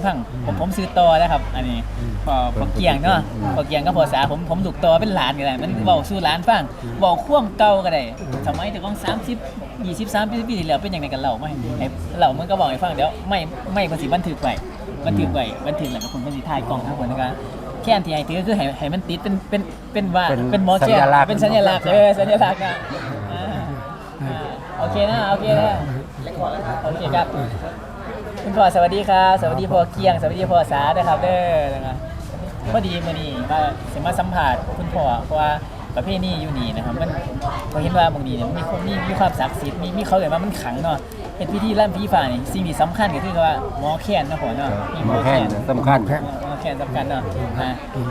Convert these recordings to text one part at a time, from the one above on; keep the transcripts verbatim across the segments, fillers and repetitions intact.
ฟังผมผมซื้อต่อนะครับอันนี้พอพอเกียงเนาะพอเกียงก็พอสาผมผมลูกต่อเป็นหลานก็ได้มันเว้าสู่หลานฟังเว้าควมเก่าก็ได้สมัยแต่ของสามสิบ ยี่สิบ สามสิบปีที่แล้วเป็นจังได๋กันเล่ามาให้เล่ามันก็บอกให้ฟังเดี๋ยวไม่ไม่เพิ่นสิบันทึกไว้บันทึกไว้บันทึกแล้วก็เพิ่นเพิ่นสิถ่ายกล้องทั้งหมดนะครับแค่นที่ให้ถือก็คือให้ให้มันติดเป็นเป็นเป็นว่าเป็นหมอแค่เป็นสัญลักษณ์เออสัญลักษณ์อ่ะโอเคนะโอเคนะโอเคครับคุณพ่อสวัสดีครับสวัสดีพ่อเกียงสวัสดีพ่อสาด้วยครับเด้อนะครับพอดีมื้อนี้ว่าสิมาสัมภาษณ์คุณพ่อเพราะว่าประเภทนี้อยู่นี่นะครับมันพอเห็นว่าบางทีเนี่ยมันมีคนมีมีความศักดิ์สิทธิ์มีมีเขาเรียกว่ามันขลังเนาะเป็นพิธีล่ำผีฟ้านี่สิ่งที่สำคัญก็คือว่าหมอแคนนะพ่อเนาะมีหมอแคนสำคัญหมอแคนสำคัญเนาะอ่า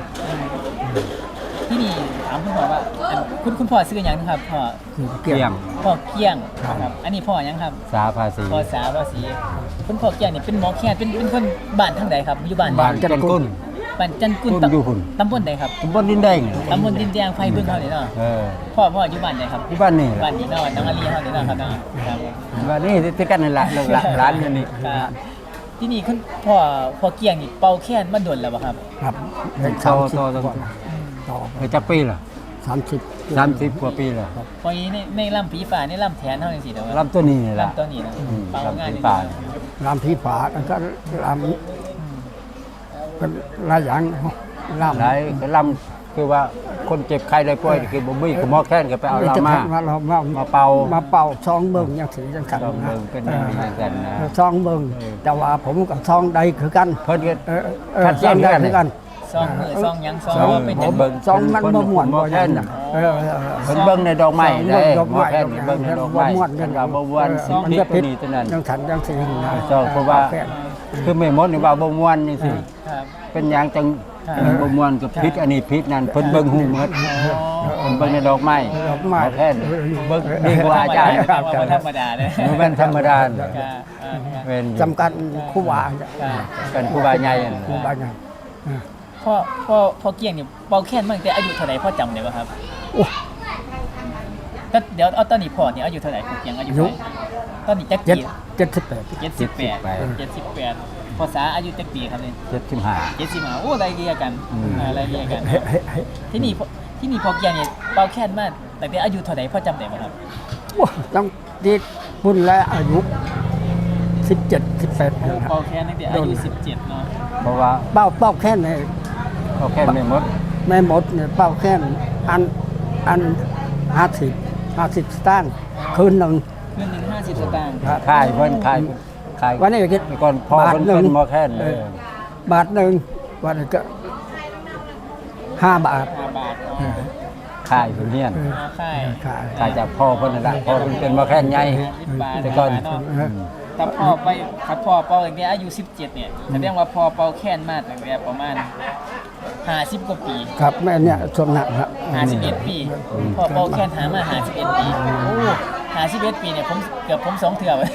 ที่นี่ถามคุณพ่อว่าคุณคุณพ่อซื้อหยังครับพ่อเกี่ยงพ่อเกี้ยงครับอันนี้พ่อหยังครับสาภาษีพ่อสาภาษีคุณพ่อเกี้ยงนี่เป็นหมอแคนเป็นเป็นคนบ้านทางใดครับอยู่บ้านบ้านจันกุลบ้านจันกุลกุลอยู่หุ่นตำบลใดครับตำบลดินแดงตำบลดินแดงไฟบึ้งเฮานี่เนาะเออพ่อพ่ออยู่บ้านใดครับที่บ้านนี่บ้านนี้เนาะน้องอาลีเฮานี่เนาะครับเนาะครับบ้านนี่ที่กันนี่แหละลูกหลานร้านอยู่นี่ครับที่นี่คุณพ่อพ่อเกี้ยงนี่เป่าแคนมาดนแล้วบ่ครับครับโตโตโตต่อเออจักปีล่ะสามสิบสามสิบกว่าปีล่ะพอนี้ในในลำผีฟ้าในลำแทนเฮาจังซี่เด้อลำตัวนี้นี่ล่ะลำตัวนี้นะอืมเป่างานลำผีนี่ฟ้ารามพี่ฝาแล้วก็รามก็หลายอย่างรามหลายก็ลำคือว่าคนเจ็บใครได้ป่วยคือบ่มีคือหมอแค้นก็ไปเอาลำมามาเรามามาเป่ามาเป่าซองเบิ่งอย่างสีจังสันซองเบิ่งเป็นอย่างนี้จังซั่นนะซองเบิ่งแต่ว่าผมกับซองใดคือกันเพิ่นก็เออเออขัดซแย้อง งใดกันคือกันซองมือซองหยังซองซองว่าเป็นจังเบิ่งซองมันบ่ม่วนหมอบ่แค้นยังเออเออเพิ่นเบิ่งในดอกไม้ซองได้ดอกหมอไม้แค้นเบิ่งในดอกไม้บ่ม่วนเพิ่นว่าบ่ม่วนสิมันผิดจะตัวผิดนี้ตัวนั้นจังสันจังสีนะซองเพราะว่าแฟนคือไม่หมดนี่ว่าบ่ม่วนจังซี่ครับเป็นหยังจังครับบ่ม่วนกับพิษอันนี้พิษนั่นเพิ่นเบิ่งฮู้หมดเพิ่นเบิ่งในดอกไม้ดอกไม้หมอแค้นเบิ่งดีกว่าอาจารย์บ่ธรรมดาเด้อบ่แม่นธรรมดาครับอ่าครับเป็นจำกัดคู่วาครับเป็นครูบาใหญ่นั่นคู่วาน่ะไงพ่อพ่อพ่อเกี้ยงนี่เป่าแคนมาตั้งแต่อายุเท่าไหร่พ่อจำได้บ่ครับโอ้ก็เดี๋ยวเอาตอนนี้พ่อเนี่ยอายุเท่าไหร่พ่อเกี้ยงอายุเท่าไหร่ตอนนี้จักเจ็ดปีเจ็ดสิบแปดเจ็ดสิบแปดเจ็ดสิบแปดภาษาอายุจักปีครับเนี่ยเจ็ดสิบห้าเจ็ดสิบห้าโอ้ไรเรียกันอืมอ่าไรเรียกัน ที่นี่พ่อที่นี่พ่อเกี้ยงเนี่ยเป่าแคนมาตั้งแต่อายุเท่าไหร่พ่อจำได้บ่ครับว้าต้องดีบุญและอายุสิบเจ็ดสิบแปดเป่าแคนตั้งแต่อายุสิบเจ็ดเนาะเพราะว่าเป้าเป้าแค่ไหนเขาแค่ไม่หมดไม่หมดเนี่ยเป้าแค่อันอันห้าสิบห้าสิบสตางค์คืนหนึ่งเงินหนึ่งห้าสิบสตางค์ขายเพิ่นขายขายวันนี้คิดก่อนพ่อเพิ่นเป็นหมอแค้นเออบาทหนึ่งวันนี้ก็ห้าบาทห้าบาทเออขายเพิ่นเฮียนเออเอาค่ายขายขายจากพ่อเพิ่นนั่นล่ะพ่อเพิ่นเป็นหมอแค้นใหญ่สิบบาทแต่ก่อนเนาะเออถ้าพ่อไปถ้าพ่อเป่าตั้งแต่อายุสิบเจ็ดเนี่ยแสดงว่าพ่อเป่าแคนมาตั้งแต่ประมาณห้าสิบกว่าปีครับแม่เนี่ยช่วงนั้นครับห้าสิบเอ็ดปีพ่อเป่าแคนหามาห้าสิบเอ็ดปีโอ้ห้าสิบเอ็ดปีเนี่ยผมเกือบผมสองเถื่อ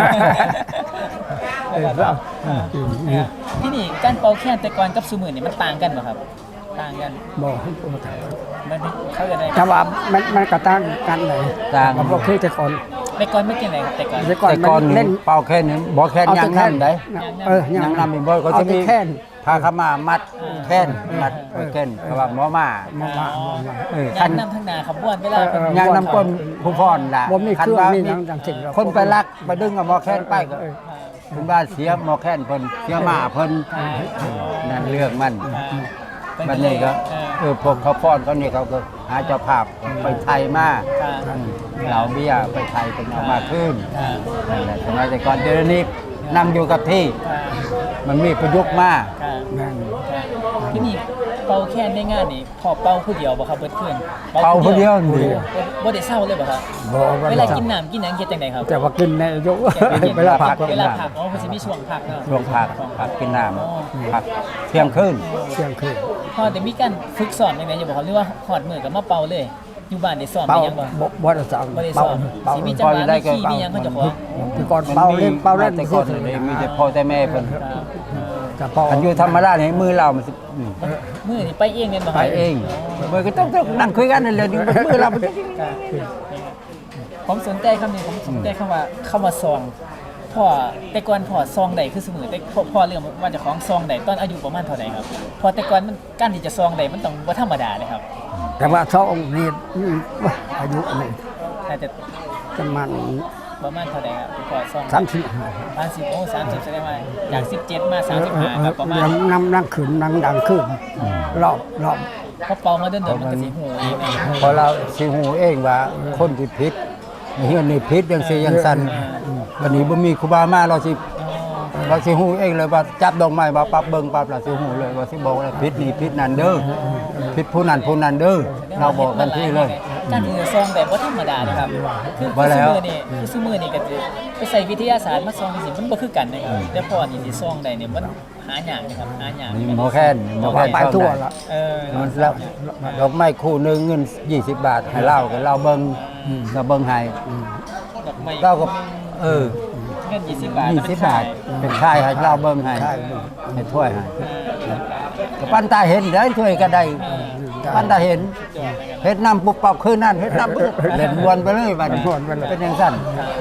เออครับที่นี่การเป่าแคนแต่ก่อนกับซูมือเนี่ยมันต่างกันเหรอครับ ต่างกันบอกให้ผมถามมันเขาจะได้แต่ว่ามันมันก็ตั้งกันไหนต่างเราบอกคือแต่ก่อนแต่ก่อนไม่เก่งเลยแต่ก่อนแต่ก่อนแต่มันก่อนเล่นเป่าแค้นนี่บ่แค้นยังนำได้เออยังนำอีกบ่ก็เอาจะแต่มีแค่นพาเข้ามามัดแค้นมัดแค้นเพราะว่าหมอมามามามาเออยัคันนนำทางนาขบวนเวลาเป็นเออยังนำก้นผู้พรล่ะบ่มีเครื่องคันว่ามีหยังจังสิ่งหรอกคนไปลักไปดึงเอาหมอแค้นไปก็เออคุณบ้านเสียหมอแค้นเพิ่นเสียหมาเพิ่นนั่นเรื่องมันบัดนี้ก็เออพวกเขาป้อนเขานี่เขาก็หาเจ้าภาพไปไทยมาเหล่าเบี้ยไปไทยเป็นเอามาขึ้นนั่นแหละสมัยแต่ก่อนเดี๋ยวนี้นำอยู่กับที่มันมีประยุกต์มากแม่นที่นี่เป่าแคนในงานนี่พอเป่าผู้เดียวบ่ครับเบิดขึ้นเป่าผู้เดียวนี่บ่ได้เศร้าเลยบ่ครับบอกว่าเวลากินน้ำกินหยังเฮ็ดจังไดครับแต่ว่ากินในยกเวลาพักเวลาพักอ๋อเพิ่นสิมีช่วงพักเนาะช่วงพักพักกินน้ำพักเที่ยงคืนเที่ยงคืนพอได้มีการฝึกสอนจังไดอยู่บ่ครับหรือว่าฮอดมื้อก็มาเป่าเลย อยู่บ้านได้สอนเป่าได้ยังบ่บ่บ่ได้สอนบ่ได้สเป่าอนเป่าสิมีจังหวะมีขี้มีหยังเขาเจะขอที่ก่อนเป่าเล่นเป่าเล่นแต่ก่อนเลยมีแต่พ่อแต่แม่เพิ่นกับเป่าอันอยู่ธรรมดาเนี่ยมือเรามันสิอืมมื้อนี่ไปเองแม่นบ่คไปรับเองมือก็ต้องต้องนั่งคุยกันนั่นแหละมือเรามันผมสนใจคำนี้ผมสนใจคำว่าคำว่าซองพ่อแต่ก่อนพ่อซองใดคือสมือแต่พ่อพ่อเรื่องว่าเจะของซองใดตอนอายุประมาณเท่าใดครับพอแต่ก่อนมันการที่จะซองใดมันต้องบ่ธรรมดาเลยครับแต่ว่าสองนี่อายุนี่น่าจะประมาณประมาณเท่าใดครับพ่อซองสามสิบห้าสามสิบโอ้สามสิบแสดงว่าจากสิบเจ็ดมาสามสิบห้าครับประมาณยังนั่งนั่งขึ้นนั่งดังขึ้นรอบรอบพอเป่ามาเดินๆมันก็สิหูเองเองพอเราสิหูเองว่าคนที่ผิดเฮียนนี่ผิดจังซี่จังซั่นวันนี้บ่มีครูบามาเราสิอ๋อเราสิฮู้เองเลยว่าจับดอกไม้มาปั๊บเบิ่งปั๊บเราสิฮู้เลยว่าสิบอกว่าผิดนี่ผิดนั่นเด้อผิดผู้นั้นผู้นั้นเด้อเราบอกทันทีเลยการที่จะซองแบบบ่ธรรมดานะครับคือว่าแล้วคือนี่คือซุมือนี่ก็จะไปใส่วิทยาศาสตร์มาซองสิมันบ่คือกันนะครับแต่พอนี่สิซองได้เนี่ยมันหายากนะครับหายากนี่หมอแค้นหมอแค้นไปทั่วละเออมันแล้วดอกไม้คู่หนึงเงินยี่สิบบาทให้เราก็เราเบิ่งเราเบิ่งให้ดอกไม้เราก็เออเงินยี่สิบบาทยี่สิบบาทเป็นค่ายให้เราเบิ่งให้ให้ถ้วยให้ก็ปั้นตาเห็นได้ถ้วยก็ได้ปั้นตาเห็นเฮ็ดน้ำปุ๊บปับคืนนั่นเฮ็ดน้ำปุ๊บเล่นวนไปเลยบัดนี้เป็นจังซั่น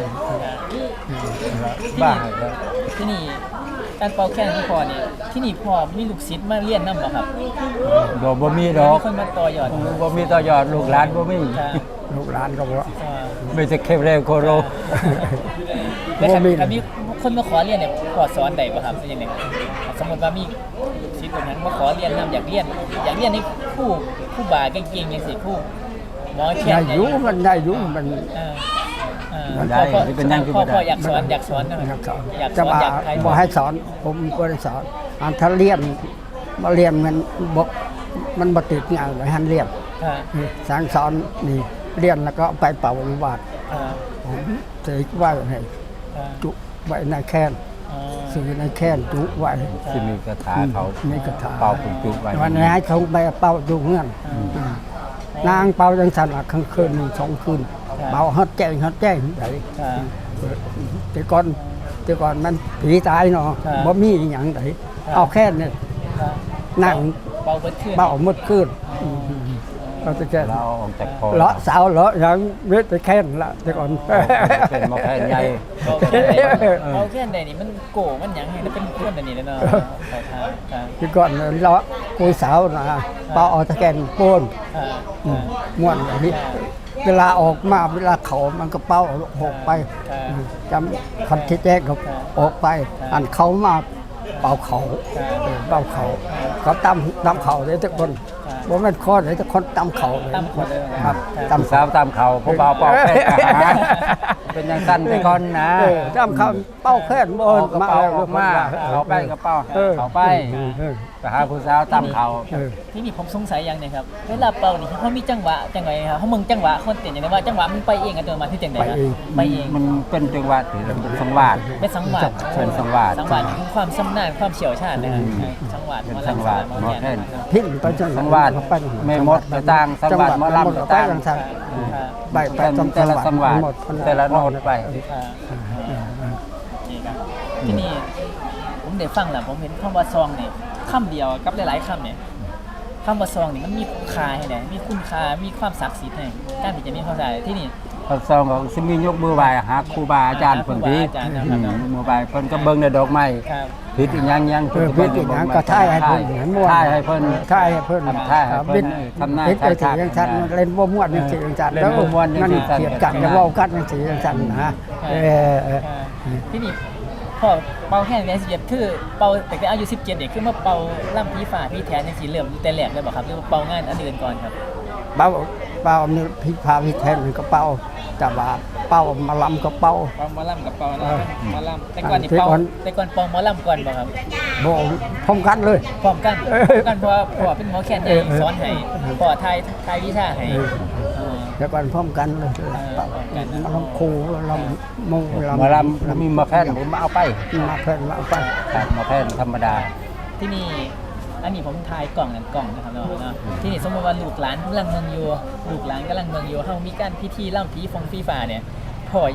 บ้าที่นี่การเป่าแค้นที่พ่อนี่ที่นี่พ่อมีลูกศิษย์มาเรียนนำบ่ครับบ่บ่มีดอกมีคนมาต่อยอดบ่มีต่อยอดลูกหลานบ่มีค่ะลูกหลานก็บอกอ่าไม่จะเข้มแรงโคโรแล้วถ้าบ่มีถ้ามีคนมาขอเรียนเนี่ยพ่อสอนได้บ่ครับเป็นจังได๋สมมุติว่ามีศิษย์คนนั้นมาขอเรียนนำอยากเรียน อยากเรียนนี่ครูครูบาเก่งๆจังซี่ครูหมอแค้ได้นอยู่มันได้อยู่มันเออเออได้พ่อที่เป็นนั่งคือพ่อบ่ได้พ่ออยากสอนอยากสอนนะอยากสอนอยากสจะอนว่าอยากถ่ายทบ่อดให้สอนผมบ่ได้สอนอันถ้าเรียนมาเรียนมันบ่มันบ่ติดงานเลยหันเรียนค่ะสางสอนนี่เรียนแล้วก็ไปเป่าวิวาทอ่าผมเสกไว้ให้อ่าจุไว้ในแค้นอ่าซื้อในแค้นจุไว้สิมีคาถาเขามีกระถาเป่าปุจุไว้วันนี้ให้เขาไปเป่าอยู่เงื่อนนางเป่าจังสันละครั้งคืนหนึ่งสองคืนเป่าฮอดแจ้งฮอดแจ้งไดค่ะแต่ก่อนแต่ก่อนมันผีตายเนาะครับบ่มีอหย่างไดครับเอาแค่เนี่ยค่ะนั่งเบาเบิดขึ้นเป่าหมดคืนเราจะแค่เราเอาออกจากคอเลาะสาวเลาะหยังเวทไปแค่นละแต่ก่อนเป็นหมอแค้นใหญ่เบาแค่ไหนเบาแค่ไหนนี่มันโก้มันหยังไงแล้วเป็นคนอันนี้เลยเนาะเขาทางค่ะแต่ก่อนเลาะกุยสาวนะเป่าเอาตะแกนโป้นค่ะอืมม่วนแบบนี้เวลาออกมาเวลาเขามันก็เป้าออกไปจำคันที่แจ้งเขาออกไป อันเขามาเป่าเขาเออเป่าเขาเขาตำตำเขาเลยทุกคนบ่แม่นคอเลยทุกคนตำเขาเลยตามคนเลยครับตำสาวตามเขาผู้บ่าวเป่าแค้นทหารเป็นอย่างสั้นไปก่อนนะเออตำเขาเป้าแค่นบ่เอากระมาเป๋าแล้วออกมาเขาไปกระเป๋าออเขาไปเออไปหาผู้สาวตามเขาเออที่นี่ผมสงสัยอย่างหนึงครับเวลาเป่านี่เขามีจังหวะจังไงครับเขามึงจังหวะคนเต้นอย่างไรว่าจังหวะมันไปเองอัตโนมัติที่จังไดครับไปเองมันเป็นจังหวะที่เป็นสังวาสเป็นสังหวะเป็นสังวาสสังหวะนี่คือความชำนาญความเชี่ยวชาญนะครับสังหวะเป็นหมอสังลำวาสหมอหมอแคนแค้นพิ้นไปจังสังวาสไม่หมดกระต่างสังวาสหมอลำกระต่างไปจังซั่น ไปไปแต่ตามแต่ละสังวาสหมดแต่ละโน้ตไปอ่านี่ครับที่นี่ผมได้ฟังแล้วผมเห็นคำว่าซองนี่คำเดียวกับหลายๆคำเนี่ยคำว่าซองนี่มันมีคุณค่าให้ไหนมีคุณค่ามีความศักดิ์สิทธิ์ให้การที่จะมีความศักดิ์ที่นี่เขาซองของสิมียกมือไหว้หาครูบาอาจารย์เพิ่นดีครูบาอาจารย์นะครับอืมมือไหว้เพิ่นก็เบิ่งในดอกไม้ครับผิดอีหยังยังเออพิษอีกอย่างก็ท่ายให้เพิ่นเห็นม่วนท่ายให้เพิ่นท่ายให้เพิ่นทำท่ายให้เพิ่นพิษทำหน้าพิษไปท่ายสิจังซั่นเล่นบ่ม่วนจังซี่จังซั่นเล่นบ่ม่วนจังนั่นซี่จังเกลียดกันจะเว้ากันจังซี่จังซั่นนะเออเออที่นี่พอเป่าแค่ในสิบเจ็ดคือเป่าแต่อายุสิบเจ็ดเนี่ยคือมาเป่าล่ำพีฝ่าพีแทนในสีเหลื่อมแต่แหลกเลยบอกครับหรือว่าเป่างานอันอื่นก่อนครับเป่าเป่านี่พิพาพิแทนก็เป่าแต่ว่าเป่ามาลำก็เป่าเป่าหมอลำกับเป่าเอนะอหมอลำแต่ก่อนนี่เป่าแต่ก่อนแต่ก่อนเป่าหมอลำก่อนบอกครับบ่พร้อมกันเลยพร้อมกันเออพร้อมกันเพราะว่าพ่อเป็นหมอแคนใหญ่เออเออสอนให้พ่อทายทายวิชาให้เออเออแต่ก่อนพร้อมกันเลยเป่ามาลำครูลำมงหมอลำมีมาแค่นผมมาเอาไปมาเพิ่นมาเอาไปครับมาแค่นธรรมดาที่นี่อันนี้ผมทายกล่องนั่นกล่องนะครับเนาะเนาะที่นี่สมมติว่าลูกหลานกำลังเมืองอยู่ลูกหลานกำลังเมืองอยู่เขามีการพิธีล่ำผีฟงฟีฟ้าเนี่ยพ่ออยาก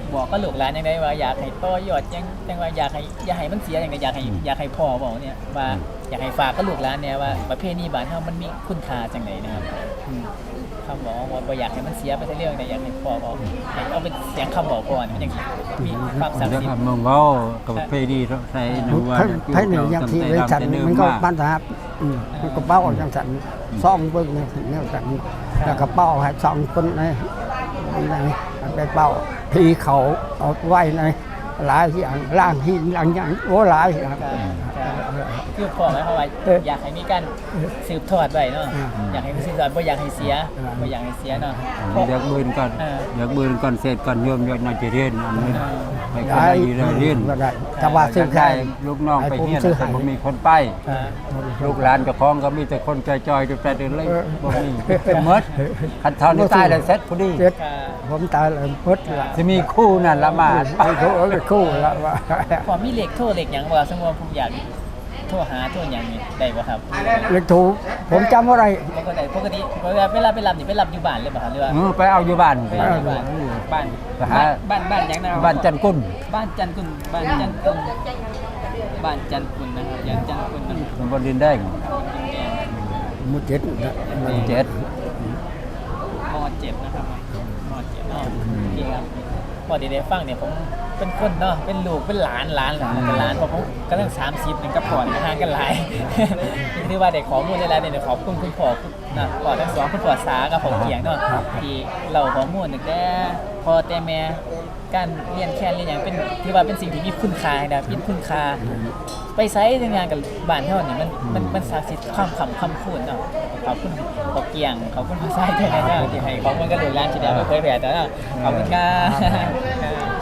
บอกก็ลูกหลานยังไงว่าอยากให้ต่อยอดยังยังว่าอยากให้อยากให้มันเสียอย่างไรอยากให้อยากให้พ่อบอกเนี่ยว่าอยากให้ฝากก็ลูกหลานเนี่ยว่าประเพณีบ้านเฮามันมีคุณค่าจังไหนนะครับอืมคำบอกว่าบ่อยากให้มันเสียไปแต่เรื่องแต่อยากให้พ่อบอกให้เอาเป็นเสียงคำบอกพ่อเนี่ยมันยังมีความศักดิ์เดี๋ยวสิทครับธิ์เมืองเว้ากับเพดีใส่หนูว่าไผหนึ่งอย่างที่ไว้ฉันมันก็บ้านทหารอืมมันก็เป้าอย่างฉันซ่องเบิ่งเนี่ยถึงเนี่ยฉันแล้วก็เป้าให้สองคนในในไปเป้าพีเขาเอาไว้ในหลายอย่างล่างหินหลังอย่างโอ้หลายอย่างคือพ่อหมายความว่าอยากให้มีการสืบทอดไว้เนาะอยากให้สืบทอดบ่อยากให้เสียบ่อยากให้เสียเนาะอยากบืนก่อนอยากบืนก่อนเสร็จก่อนโยมอยากน่าจะเรียนอันนี้ให้คนได้ได้อยู่ได้เรียนก็ได้แต่ว่าซื้อแค่ลูกน้องไปเฮียนแต่บ่มีคนไป ลูกหลานเจ้าของก็มีแต่คนจอยๆดูแต่เดินเลยบ่มีหมดคันเท่านี้ตายแล้วเสร็จพอดีเจ็ดผมตายเลยพุทธละสิมีคู่นั่นละมาดไปเขาเอาไปคู่ละว่าพอมีเลขโทรเลขหยังบ่สมมุติว่าผมอยากโทรหาโทรหยังนี่ได้บ่ครับเลขถูกผมจำอะไรปกติปกติเวลาเวลาไปรับนี่ไปรับอยู่บ้านเลยป่ะครับหรือว่าเออไปเอาอยู่บ้านไปรับอยู่บ้านบ้านไปหาบ้านบ้านหยังนะบ้านจันกุลบ้านจันกุลบ้านจันกุลบ้านจันกุลนะครับอย่างจันกุลนะตำบลดินแดงมุดเจ็ดนะหมู่เจ็ดมอเจ็ดนะครับมอเจ็ดเนาะนี่ครับพอดีได้ฟังเนี่ยผมเป็นคนเนาะเป็นลูกเป็นหลานหลานหลานเป็นหลานเพราะผมกำลังสามสิบนึงกับพ่อห่างกันหลาย ที่ว่าได้ข้อมูลได้แล้วเนี่ยขอบคุณคุณพ่อนะพ่อทั้งสองคุณพ่อสากับพ่อเกียงเนาะที่เราข้อมูลตั้งแต่พ่อแต่แม่การเรียนแค่เรียนอย่างเป็นที่ว่าเป็นสิ่งที่มีคุณค่านะมีคุณค่าไปใช้ในงานกับบ้านเท่านี้มันมันมันศักดิ์สิทธิ์ความคำคำพูดเนาะขอบคุณพ่อเกียงขอบคุณพ่อสายด้วยนะที่ให้ข้อมูลกับลูกหลานที่ได้มาเผยแพร่แต่ขอบคุณครับ